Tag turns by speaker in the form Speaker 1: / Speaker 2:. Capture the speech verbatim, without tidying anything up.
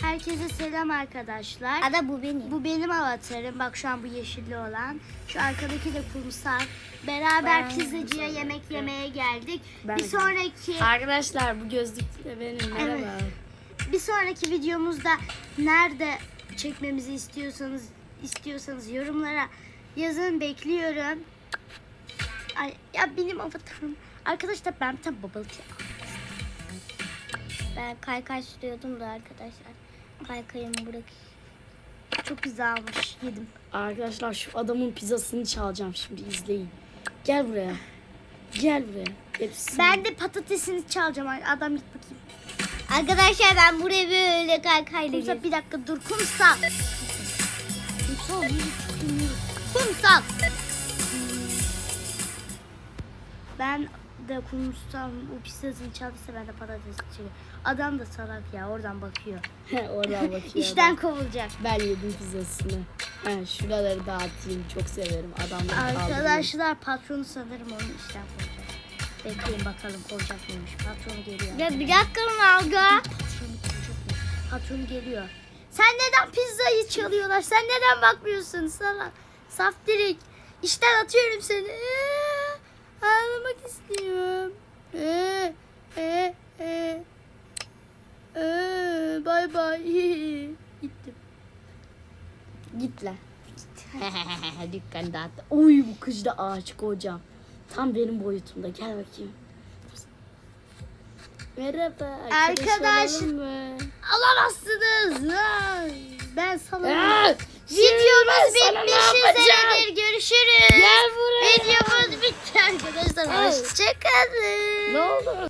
Speaker 1: Herkese selam arkadaşlar.
Speaker 2: Ada bu benim.
Speaker 1: Bu benim avatarım. Bak şu an bu yeşilli olan. Şu arkadaki de kumsal. Beraber
Speaker 2: Ben
Speaker 1: pizzacıya
Speaker 2: kumsal
Speaker 1: yemek
Speaker 2: yapıyorum.
Speaker 1: yemeye geldik.
Speaker 2: Ben
Speaker 1: bir
Speaker 2: de.
Speaker 1: sonraki
Speaker 3: Arkadaşlar bu gözlük de benim. Merhaba.
Speaker 1: Evet. bir sonraki videomuzda nerede çekmemizi istiyorsanız istiyorsanız yorumlara yazın, bekliyorum. Ay, ya benim avatarım. Arkadaşlar ben bir tane babalık yaptım.
Speaker 2: Ben kaykay sürüyordum da arkadaşlar. Kaykayımı bırak.
Speaker 1: Çok güzelmiş. Yedim.
Speaker 3: Arkadaşlar şu adamın pizzasını çalacağım şimdi, izleyin. Gel buraya. Gel buraya. Hepsini.
Speaker 1: Ben de patatesini çalacağım. Adam git bakayım.
Speaker 2: Arkadaşlar ben buraya böyle kaykayla
Speaker 1: Kumsal
Speaker 2: gezdim.
Speaker 1: bir dakika dur. Kumsal. Kumsal. yürü, yürü. Kumsal. Ben de kumsal o pizzasını çaldıysa ben de patates çekiyorum. Adam da salak ya, oradan bakıyor.
Speaker 3: Oradan bakıyor.
Speaker 1: İşten
Speaker 3: adam.
Speaker 1: kovulacak.
Speaker 3: Ben yedim pizzasını. He, şuraları dağıtayım. Çok severim. Adamları kaldırayım.
Speaker 1: Arkadaşlar patronu sanırım onu işten kovacak. Bekleyin bakalım kovacak mıymış. Patronu geliyor.
Speaker 2: Ya bir dakika Nalga.
Speaker 1: Patronu kovacak mı? Patronu geliyor. Sen neden pizzayı çalıyorlar? Sen neden bakmıyorsun sana? Saftirik. İşten atıyorum seni. Ee, ağlamak istiyorum. Ee, ee, ee. Ee, bay bay. Gittim.
Speaker 3: Git lan. Dükkan dağıttı. Oy, bu kız da aşık hocam. Tam benim boyutumda. Gel bakayım. Merhaba.
Speaker 1: Arkadaş-
Speaker 3: olalım mı?
Speaker 1: Alamazsınız. Ay, ben sana...
Speaker 3: Aa,
Speaker 1: Videomuz
Speaker 3: şimdi ben sana ne
Speaker 1: bitmiş
Speaker 3: yapacağım?
Speaker 1: üzeredir. Görüşürüz.
Speaker 3: Gel buraya.
Speaker 1: Videomuz bitti arkadaşlar.
Speaker 3: Ay.
Speaker 1: Hoşçakalın.
Speaker 3: Ne oldu?